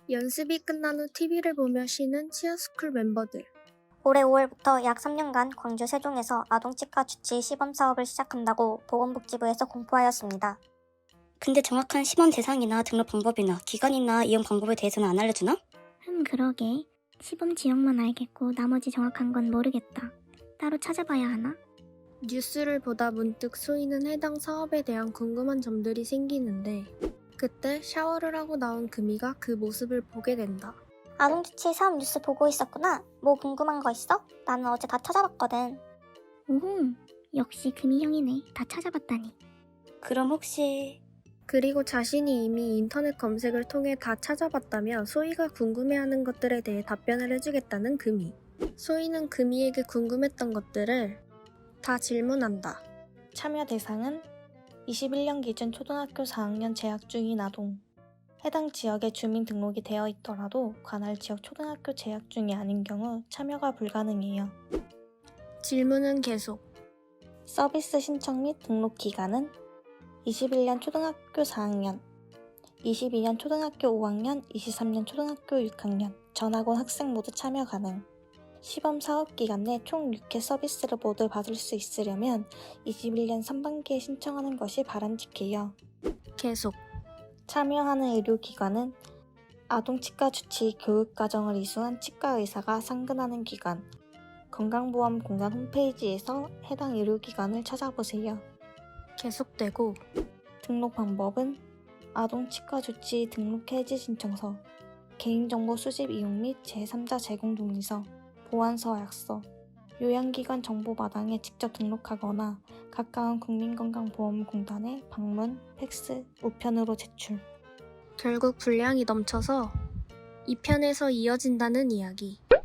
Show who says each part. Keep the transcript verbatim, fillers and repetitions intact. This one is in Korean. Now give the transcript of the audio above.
Speaker 1: 연습이 끝난 후 티비를 보며 쉬는 치어스쿨 멤버들.
Speaker 2: 올해 오월부터 약 삼 년간 광주 세종에서 아동치과 주치 시범 사업을 시작한다고 보건복지부에서 공포하였습니다.
Speaker 3: 근데 정확한 시범 대상이나 등록 방법이나 기간이나 이용 방법에 대해서는 안 알려주나?
Speaker 4: 흠 그러게. 시범 지역만 알겠고 나머지 정확한 건 모르겠다. 따로 찾아봐야 하나?
Speaker 1: 뉴스를 보다 문득 소희는 해당 사업에 대한 궁금한 점들이 생기는데 그때 샤워를 하고 나온 금이가 그 모습을 보게 된다.
Speaker 2: 아동주치 사업 뉴스 보고 있었구나. 뭐 궁금한 거 있어? 나는 어제 다 찾아봤거든.
Speaker 4: 오호, 역시 금이 형이네. 다 찾아봤다니.
Speaker 3: 그럼 혹시...
Speaker 1: 그리고 자신이 이미 인터넷 검색을 통해 다 찾아봤다며 소희가 궁금해하는 것들에 대해 답변을 해주겠다는 금이. 소희는 금이에게 궁금했던 것들을 다 질문한다.
Speaker 5: 참여 대상은 이십일 년 기준 초등학교 사 학년 재학 중인 아동. 해당 지역에 주민등록이 되어 있더라도 관할 지역 초등학교 재학 중이 아닌 경우 참여가 불가능해요.
Speaker 1: 질문은 계속.
Speaker 5: 서비스 신청 및 등록 기간은 이십일 년 초등학교 사 학년, 이십이 년 초등학교 오 학년, 이십삼 년 초등학교 육 학년, 전학온 학생 모두 참여 가능. 시범 사업 기간 내 총 육 회 서비스를 모두 받을 수 있으려면 이십일 년 상반기에 신청하는 것이 바람직해요.
Speaker 1: 계속.
Speaker 5: 참여하는 의료기관은 아동치과 주치 교육과정을 이수한 치과의사가 상근하는 기관, 건강보험공단 홈페이지에서 해당 의료기관을 찾아보세요.
Speaker 1: 계속되고.
Speaker 5: 등록 방법은 아동치과 주치 등록 해지 신청서, 개인정보 수집 이용 및 제삼자 제공 동의서, 보안서 약서, 요양기관 정보마당에 직접 등록하거나 가까운 국민건강보험공단에 방문, 팩스, 우편으로 제출.
Speaker 1: 결국 분량이 넘쳐서 이 편에서 이어진다는 이야기.